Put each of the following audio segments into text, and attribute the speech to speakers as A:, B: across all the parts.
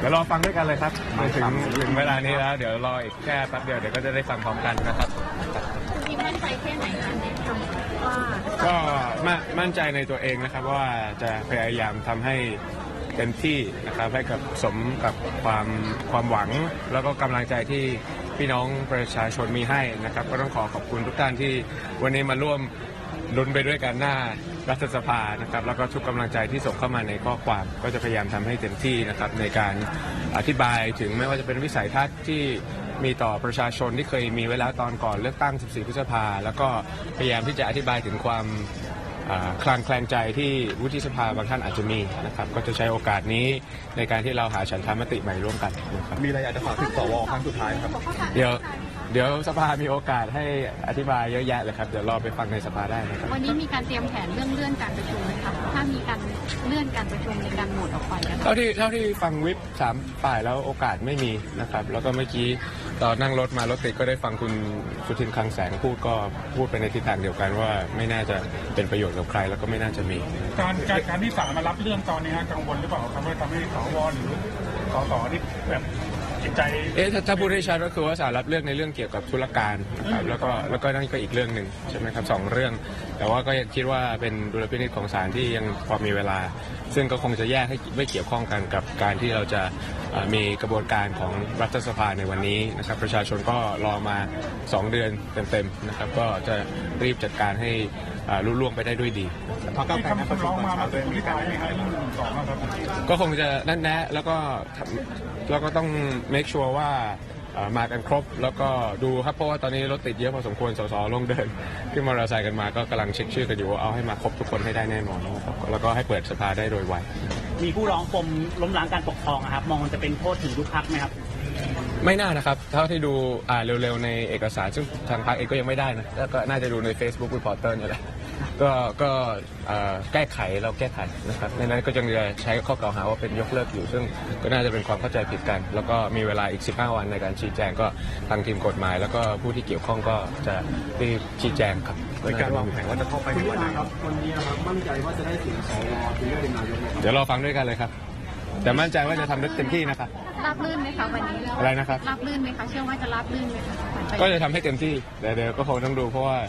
A: เดี๋ยวรอฟังด้วยกันเลยครับถึงเวลานี้แล้วเดี๋ยวรออีกแค่แป๊บเดียวเดี๋ยวก็จะได้ฟังพร้อมกันนะครับ
B: คิดมั่นใจแค่ไหนคะในคำว่า
A: ก็มั่นใจในตัวเองนะครับว่าจะพยายามทำให้เต็มที่นะครับให้กับสมกับความหวังแล้วก็กำลังใจที่พี่น้องประชาชนมีให้นะครับก็ต้องขอบคุณทุกท่านที่วันนี้มาร่วมลุ้นไปด้วยกันหน้ารัฐสภานะครับแล้วก็ทุกกำลังใจที่ส่งเข้ามาในข้อความก็จะพยายามทำให้เต็มที่นะครับในการอธิบายถึงไม่ว่าจะเป็นวิสัยทัศน์ที่มีต่อประชาชนที่เคยมีไว้แล้วตอนก่อนเลือกตั้ง 14 พฤษภาแล้วก็พยายามที่จะอธิบายถึงความคลางแคลงใจที่วุฒิสภาบางท่านอาจจะมีนะครับก็จะใช้โอกาสนี้ในการที่เราหาฉันทามติใหม่ร่วมกันนะครับ
C: มีอะไรอยากจะฝากถึงสวครั้งสุดท้ายครับ
A: เดี๋ยวสภามีโอกาสให้อธิบายเยอะแยะเลยครับเดี๋ยวรอไปฟังในสภาได้นะครับ
B: วันนี้มีการเตรียมแผนเรื่องการประชุมไหมคะถ้ามีการเลื่อนการประชุมในการโหวตออกไป
A: เท่าที่ฟังวิป3 ฝ่ายแล้วโอกาสไม่มีนะครับแล้วก็เมื่อกี้ตอนนั่งรถติดก็ได้ฟังคุณสุทินคลังแสงพูดไปในทิศทางเดียวกันว่าไม่น่าจะเป็นประโยชน์กับใครแล้วก็ไม่น่าจะมี
C: การที่ศาลมารับเรื่องตอนนี้กังวลหรือเปล่าครับว่าทำให้สวหรือสสที่แบบจิตใจ
A: ถ้าพูดให้ชัดก็คือว่าศาลรับเรื่องในเรื่องเกี่ยวกับธุรการนะครับแล้วก็นั่นก็อีกเรื่องหนึ่งใช่ไหมครับ2 เรื่องแต่ว่าก็ยังคิดว่าเป็นดุลพินิจของศาลที่ยังพอมีเวลาซึ่งก็คงจะแยกให้ไม่เกี่ยวข้องกันกับการที่เราจะมีกระบวนการของรัฐสภาในวันนี้นะครับประชาชนก็รอมา2 เดือนเต็มๆนะครับก็จะรีบจัดการให้รุ่ล่วงไปได้ด้วยดี
C: พรรคก้าวไกลประชุมมาเป็นวิธีการไหมครับ1 2ครับ
A: ก็คงจะนั่นแนะแล้วก็ต้อง make sure ว่ามากันครบแล้วก็ดูครับเพราะว่าตอนนี้รถติดเยอะพอสมควรสสลงเดินขึ้นมอเตอร์ไซค์กันมาก็กำลังเช็คชื่อกันอยู่ว่าเอาให้มาครบทุกคนให้ได้แน่นอนนะครับแล้วก็ให้เปิดสภาได้โดยไว
D: มีผู้ร้องปมล้มล้างการปกครองครับมองมันจะเป็นโทษถึงทุกพรรคไหมครับ
A: ไม่น่านะครับเท่าที่ดูเร็วๆในเอกสารซึ่งทางพรรคเองก็ยังไม่ได้นะแล้วก็น่าจะดูใน Facebook Reporter นี่แหละก็แก้ไขนะครับในนั้นก็ยังจะใช้ข้อกล่าวหาว่าเป็นยกเลิกอยู่ซึ่งก็น่าจะเป็นความเข้าใจผิดกันแล้วก็มีเวลาอีก15 วันในการชี้แจงก็ทางทีมกฎหมายแล้วก็ผู้ที่เกี่ยวข้องก็จะรีบชี้แจงครับ
C: ในการวางแผนว่าจะเข้าไปในวันไหนครับ
E: วันนี้นะครับมั่นใจว่าจะได้เสียงสวถึงได้เป็นนายก
A: เดี๋ยวรอฟังด้วยกันเลยครับแต่มั่นใจว่าจะทำได้เต็มที่นะครับ
B: ราบรื่นไหมคะวันนี้
A: อะไรนะครับ
B: ราบรื่นไหมคะเชื่อว่าจะราบรื่นไหมคะ
A: ก็จะทำให้เต็มที่เดี๋ยวก็คงต้องดูเพราะว่า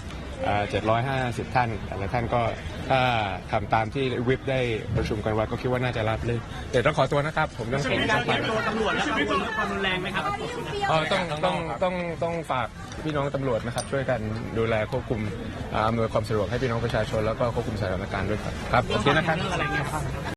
A: 750 ท่านแต่ละท่านก็ถ้าทำตามที่วิปได้ประชุมกันไว้ก็คิดว่าน่าจะรับเลยเดี๋ยวต้องขอตัวนะครับผมต้อง
D: เป็นการเตรียมตัวตำรวจและความรุนแรงไหมครับ
A: ต้องฝากพี่น้องตำรวจนะครับช่วยกันดูแลควบคุมอำนวยความสะดวกให้พี่น้องประชาชนแล้วก็ควบคุมสถานการณ์ด้วยครับโอเคนะครับ